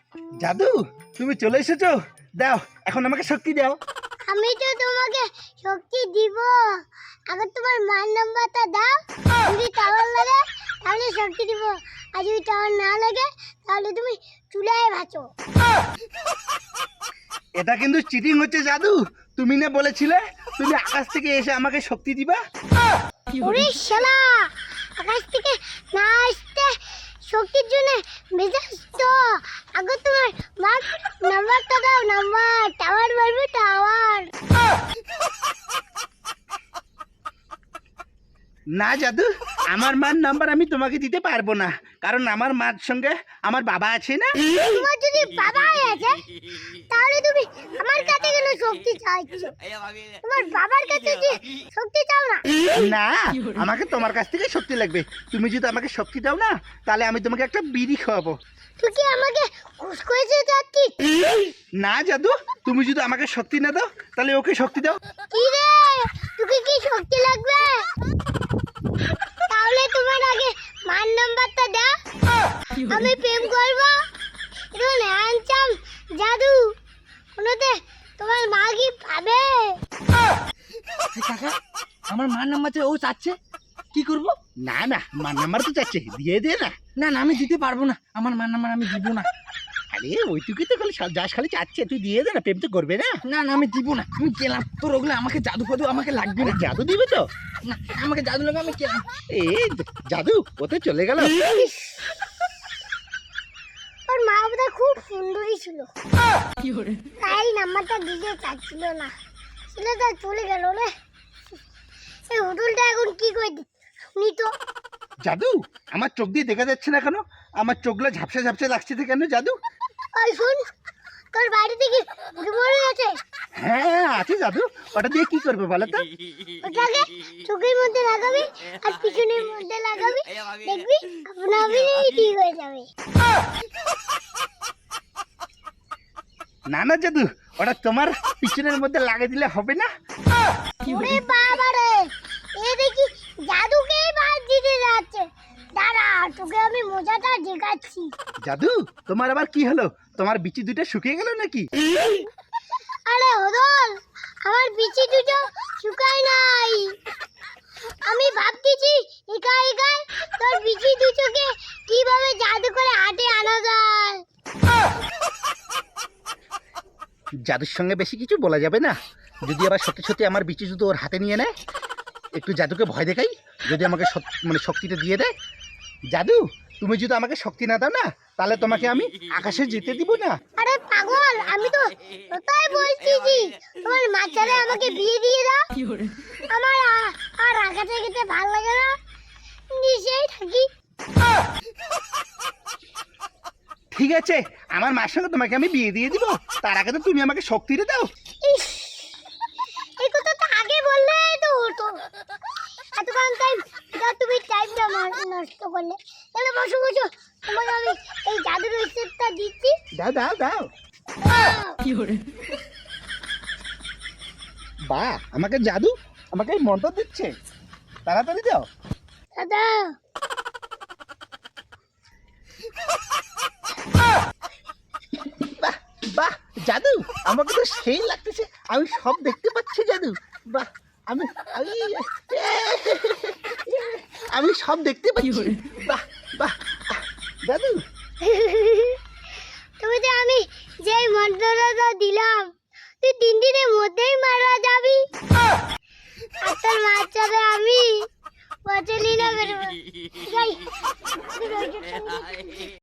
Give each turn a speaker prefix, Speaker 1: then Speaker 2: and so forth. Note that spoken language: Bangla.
Speaker 1: জাদু তুমি চলে এসেছো, দাও এখন আমাকে শক্তি দাও।
Speaker 2: আমি তো তোমাকে শক্তি দিব, আগে তোমার মার নাম্বারটা দাও। যদি টাওয়ার লাগে তাহলে শক্তি দিব, আর যদি টাওয়ার না লাগে তাহলে তুমি চুলায় ভাজো।
Speaker 1: এটা কিন্তু চিটিং হচ্ছে জাদু। তুমি না বলেছিলে তুমি আকাশ থেকে এসে আমাকে শক্তি দিবা?
Speaker 2: ওরে শালা, আকাশ থেকে না আসতে শক্তির জন্য মেজাজ তো। আগে তোমার মার নাম্বারটা দাও, নাম্বার টাওয়ার মারবে টাওয়ার।
Speaker 1: না জাদু, আমার মার নাম্বার আমি তোমাকে দিতে পারবো না, কারণ আমার মার সঙ্গে আমার বাবা আছে না।
Speaker 2: তোমার যদি বাবা আছে তাহলে তুমি আমার কাছে কেন শক্তি চাইছো? তোমার বাবার কাছে যে শক্তি চাও না?
Speaker 1: না, আমাকে তোমার কাছ থেকে শক্তি লাগবে। তুমি যদি আমাকে শক্তি দাও না, তাহলে আমি তোমাকে একটা বিড়ি খাওয়াবো।
Speaker 2: তুই কি আমাকে ঘুষ করেছে যাচ্ছিস?
Speaker 1: না জাদু, তুমি যদি আমাকে শক্তি না দাও তাহলে ওকে শক্তি দাও।
Speaker 2: কি রে, তোকে কি শক্তি লাগবে? তাহলে তোমার আগে মার নাম্বারটা দাও, আমি প্রেম করবো। এটা হ্যান্ডসাম জাদু, কোনোতে তোমার মা কি পাবে?
Speaker 3: কাকা আমার মার নাম্বার ও চাচ্ছে, কি করব?
Speaker 1: না না, মার নাম্বার তো চাচ্ছে, দিয়ে দে না।
Speaker 3: না না আমি দিতে পারবো না, আমার মার নাম্বার আমি দিব না।
Speaker 1: আরে ওইটুকুই তো খালি যাস, খালি চাচ্ছে, তুই দিয়ে দে না, প্রেম তো করবে না।
Speaker 3: না না আমি দিব না, আমি গেলাম। তোর ওগুলো আমাকে জাদু ফাদু আমাকে লাগবে না।
Speaker 1: জাদু দিবে তো?
Speaker 3: না আমাকে জাদু লাগে, আমি গেলাম।
Speaker 1: এ জাদু ওতে চলে গেল।
Speaker 2: ওর মা বাবা খুব সুন্দরী ছিল, তাই নাম্বারটা দিতে চাচ্ছিল না। ছেলেটা চলে গেল রে। এই হোটেলটা এখন কি করে শুনি তো।
Speaker 1: জাদু আমার চোখ দিয়ে দেখা যাচ্ছে না কেন? আমার চোখগুলো ঝাপসা ঝাপসা লাগছে তো কেন জাদু?
Speaker 2: ওই শুন, তোর বাড়িতে কি বুড়ি মরে আছে?
Speaker 1: হ্যাঁ আছে জাদু, ওটা দিয়ে কি করবে বলো তো?
Speaker 2: ওটাকে চোখের মধ্যে লাগাবি আর পিছনের মধ্যে লাগাবি, দেখবি আপনা আপনি ঠিক হয়ে যাবে।
Speaker 1: না না জাদু, ওটা তোমার পিছনের মধ্যে লাগিয়ে দিলে হবে না।
Speaker 2: ওরে বাবা রে, এ দেখি জাদুকেই বাদ দিতে যাচ্ছে। দাঁড়া, তোকে আমি মজাটা দেখাচ্ছি।
Speaker 1: জাদু তোমার আবার কি হলো? তোমার বিচি দুটো শুকিয়ে গেল নাকি?
Speaker 2: আরে হদল, আমার বিচি দুটো শুকায় নাই। আমি ভাবতেছি একাই একাই তোর বিচি দুটোকে কিভাবে জাদু করে হাতে আনা যায়।
Speaker 1: জাদুর সঙ্গে বেশি কিছু বলা যাবে না। যদি আবার সত্যি সত্যি আমার বিচি দুটো ওর হাতে নিয়ে নেয়, একটু জাদুকে ভয় দেখাই, যদি আমাকে মানে শক্তিটা দিয়ে দেয়। জাদু তুমি যদি আমাকে শক্তি না দাও না, তাহলে তোমাকে আমি আকাশে যেতে দিব না।
Speaker 2: আরে পাগল, আমি তো ওটাই বলছি যে তোমার মাচারে আমাকে বিয়ে দিয়ে দাও। আমার আর আকাশে যেতে ভালো লাগে না, নিচেই থাকি।
Speaker 1: ঠিক আছে, আমার মার সঙ্গে তোমাকে আমি বিয়ে দিয়ে দিব, তার আগে তো তুমি আমাকে শক্তিটা দাও।
Speaker 2: ইস, এই কথা তো আগে বললে তো হতো। এতক্ষণ টাইম তুমি টাইমটা নষ্ট করলে। তাহলে বসো বসো, তোমাকে আমি এই জাদুর রিসেপ্টটা দিচ্ছি।
Speaker 1: দাও দাও দাও। বা আমাকে জাদু আমাকে এই মন্ত্র দিচ্ছে, তাড়াতাড়ি দাও।
Speaker 2: দাদা,
Speaker 1: বাহ বাহ জাদু, আমাকে তো সেই লাগতেছে, আমি সব দেখতে পাচ্ছি জাদু। বাহ, আমি আমি আমি সব দেখতে পাচ্ছি। বাহ বাহ জাদু।
Speaker 2: তুমি তো আমি যেই মন্ত্রটা দিলাম তুই 3 দিনের মধ্যেই মারা যাবি। আর তোর বাচ্চাদের আমি বাঁচালি না বেরোবো। যাই